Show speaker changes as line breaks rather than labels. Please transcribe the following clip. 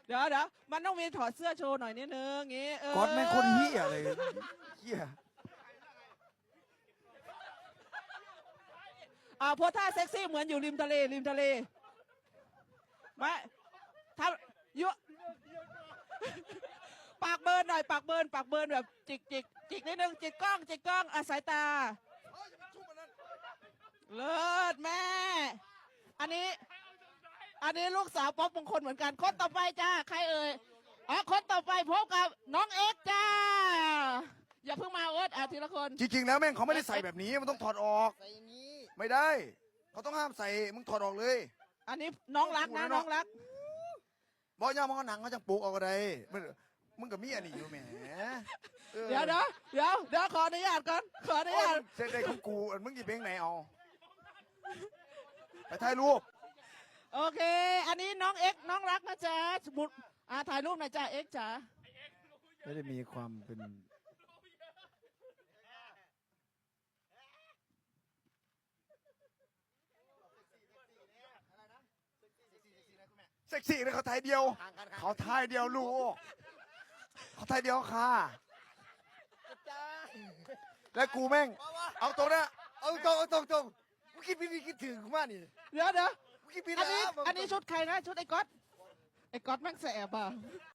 เดี๋ยวมันต้องมีถอดเสื้อโชว์หน่อยนิดนึงงี้
ก๊อตแม่งคนเหี้ยเลยเหี้ย
โพสท่าเซ็กซี่เหมือนอยู่ริมทะเลไม่ทำยุปากเบิร์นหน่อยปากเบิร์นแบบจิกนิดนึงจิกกล้องสายตาเลิศแม่ อันนี้ลูกสาวป๊อปมงคลเหมือนกันคนต่อไปจ้าใครเอ่ยคนต่อไปพบกับน้องเอ็กซ์จ้าอย่าเพิ่งมาทีละคน
จริงๆแล้วแม่งเขาไม่ได้ใส่แบบนี้มันต้องถอดออก
ใส่อย่างนี้
ไม่ได้เขาต้องห้ามใส่มึงถอดออกเลย
อันนี้น้องรักนะน้องรัก
บอกย่ามันก็หนังเขาจังปลูกเอาก็ได้มึงกับมีอันนี้อยู่แหม
เดี๋ยวขออนุญาตก่อนขออนุญาต
เสร็จได้ของกูมึงหยิบเพลงไหนเอาไปถ่ายรูป
โอเค อันนี้น้องเอ็กซ์น้องรักนะจ๊ะสมุดถ่ายรูปหน่อยจ้าเอ็กซ์จ๋า
ไม่ได้มีความเป็นเซ็กซี่เลยเขาถ่ายเดียวเขาถ่ายเดียวลูกเขาถ่ายเดียวค่ะแล้วกูแม่งเอาตรงนะ
เอาตรงกูคิดพี่คิดถึงกูมากนี่
เดี๋ยว
กูคิดพี่
อัน
นะ
นี้ชุดใครนะชุดไอ้ก๊อตแม่งแสบอ่ะ